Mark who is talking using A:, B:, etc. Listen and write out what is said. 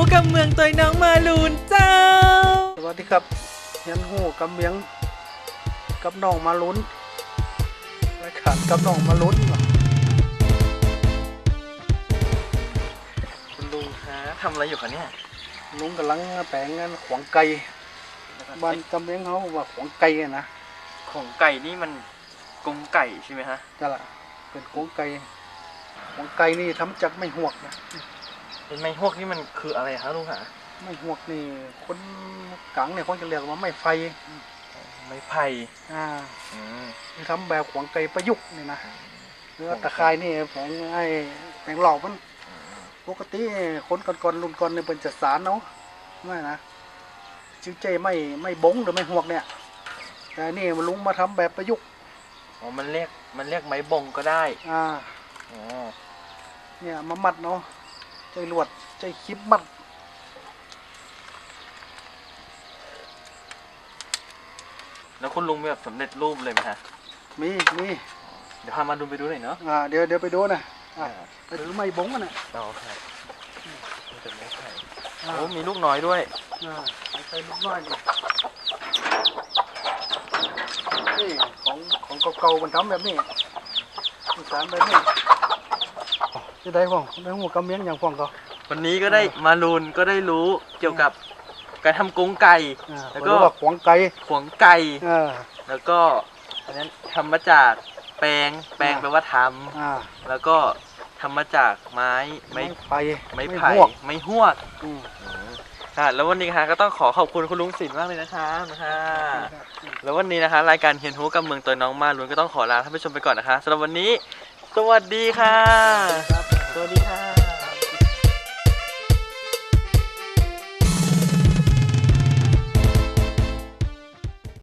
A: กับเมืองตัวน้องมาลูนเจ้า
B: สวัสดีครับเฮียนหูกับเมียงกับน้องมาลุ้นรายการกับน้องมาลุ้น
C: คุณลุงคะทำอะไรอยู่คะเนี่ย
B: ลุงกำลังแปลงงานขวางไก่บ้านกับเมียงเขาว่าขวางไก่นะ
C: ของไก่นี่มันกรงไก่ใช่ไหมฮะ
B: นั่นแหละเป็นขวางไก่ขวางไก่นี่ทำจากไม้หวกนะ
C: เป็นไม้ฮวกนี่มันคืออะไรคะลุงคะ
B: ไม้หวกนี่คนกลางเนี่ยคนจะเรียกว่าไม้ไฟ
C: ไม้ไผ่
B: ทำแบบขวางไก่ประยุกต์นี่นะเนื้อตะไคร้นี่แปลงแปลงหลอกมันปกติคนก่อนรุ่นก่อนเนี่ยเป็นจัดสารเนาะไม่นะชื่อเจไม่บงหรือไม่หวกเนี่ยแต่นี่มันลุงมาทำแบบประยุกต์
C: อ๋อมันเรียกไม้บงก็ได้
B: อ๋อเนี่ยมามัดเนาะใจลวดใจคลิปมัด
C: แล้วคุณลุงมีแบบสำเร็จรูปเลยไหมฮะ
B: มี
C: เดี๋ยวพามาดูไปดูหน่อยเนาะ
B: เดี๋ยวไปดูนะไปดูไม้บงกันนะ
C: อ๋อครับเป็นไม้ไผ่โอ้มีลูกน้อยด้วย
B: ใส่ลูกน้อยนี่ของเก่าๆมันทำแบบนี้สารแบบนี้จะได้ฟ้องได้หัวกำเมียงอย่างฟ้องก็
C: วันนี้ก็ได้มาลูนก็ได้รู้เกี่ยวกับการทำกรงไก่
B: แล้วก็ขวางไก่
C: แล้วก็อันนั้นทำมาจากแปลงแปลว่าทำแล้วก็ทำมาจากไม้ไผ่ไม้หวกแล้ววันนี้ค่ะก็ต้องขอบคุณคุณลุงศิลป์มากเลยนะคะแล้ววันนี้นะคะรายการเฮียนฮู้กับเมืองตัวน้องมาลุนก็ต้องขอลาท่านผู้ชมไปก่อนนะคะสำหรับวันนี้สวัสดีค่ะ